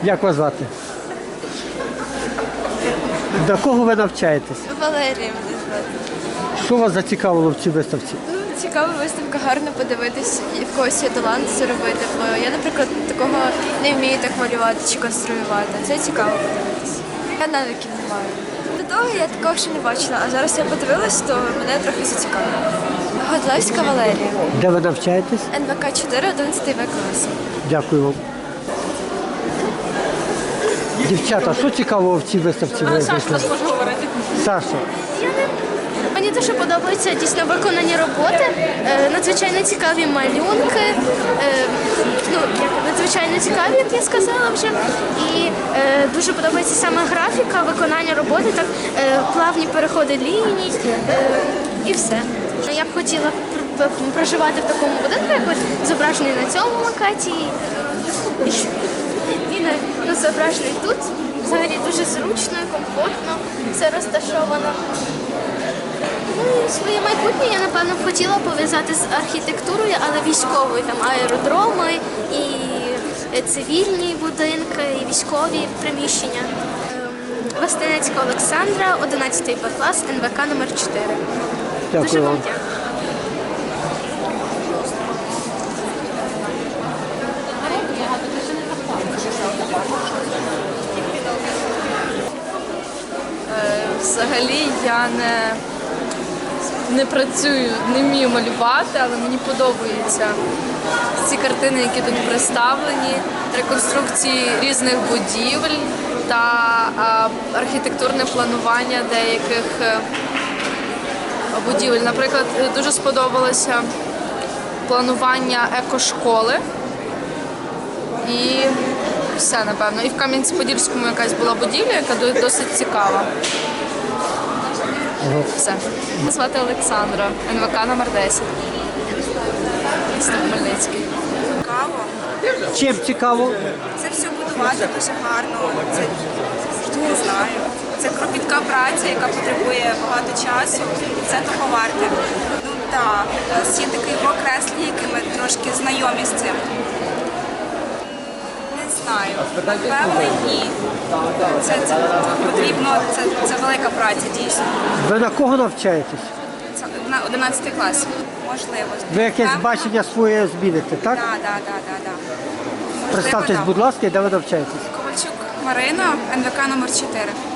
Як вас звати? До кого ви навчаєтесь? Валерія мене звати. Що вас зацікавило в цій виставці? Цікава виставка, гарно подивитись, і в когось є талант це робити. Бо я, наприклад, такого не вмію так малювати чи конструювати. Це цікаво подивитись. Я навиків не маю. До того я такого ще не бачила, а зараз я подивилась, то мене трохи зацікавило. Годлевська Валерія. Де ви навчаєтесь? НВК 4, 11 В клас. Дякую вам. Дівчата, що цікавого в цій виставці ви знайшли? Саша. Мені дуже подобається дійсно виконані роботи, надзвичайно цікаві малюнки, надзвичайно цікаві, як я сказала вже. І дуже подобається саме графіка, виконання роботи, так плавні переходи ліній і все. Я б хотіла проживати в такому будинку, як ось зображений на цьому макеті. І зображений тут. Взагалі дуже зручно і комфортно все розташовано. Ну і своє майбутнє я, напевно, б хотіла пов'язати з архітектурою, але військовою, там аеродроми, і цивільні будинки, і військові приміщення. Вестинецька Олександра, 11 Б клас, НВК номер 4. Дякую Дуже вам вам. дякую. Взагалі я не працюю, не вмію малювати, але мені подобаються ці картини, які тут представлені, реконструкції різних будівель та архітектурне планування деяких будівель. Наприклад, дуже сподобалося планування екошколи і все, напевно. І в Кам'янці-Подільському якась була будівля, яка досить цікава. Все. Мене звати Олександра, НВК номер 10. Місто Хмельницький. Цікаво. Чим цікаво? Це все будувати дуже гарно. Це не знаю. Це кропітка праця, яка потребує багато часу. І це того варте. Ну так, у нас є такий окреслі, які ми трошки знайомі з цим. Не знаю. Напевне, ні. Це потрібно, це велика праця, дійсно. Ви на кого навчаєтесь? Це на 11 клас. Можливо. Ви якесь Напевно. бачення своє зміните, так? Так. Представтесь, будь ласка, і де ви навчаєтесь? Ковальчук Марина, НВК номер 4.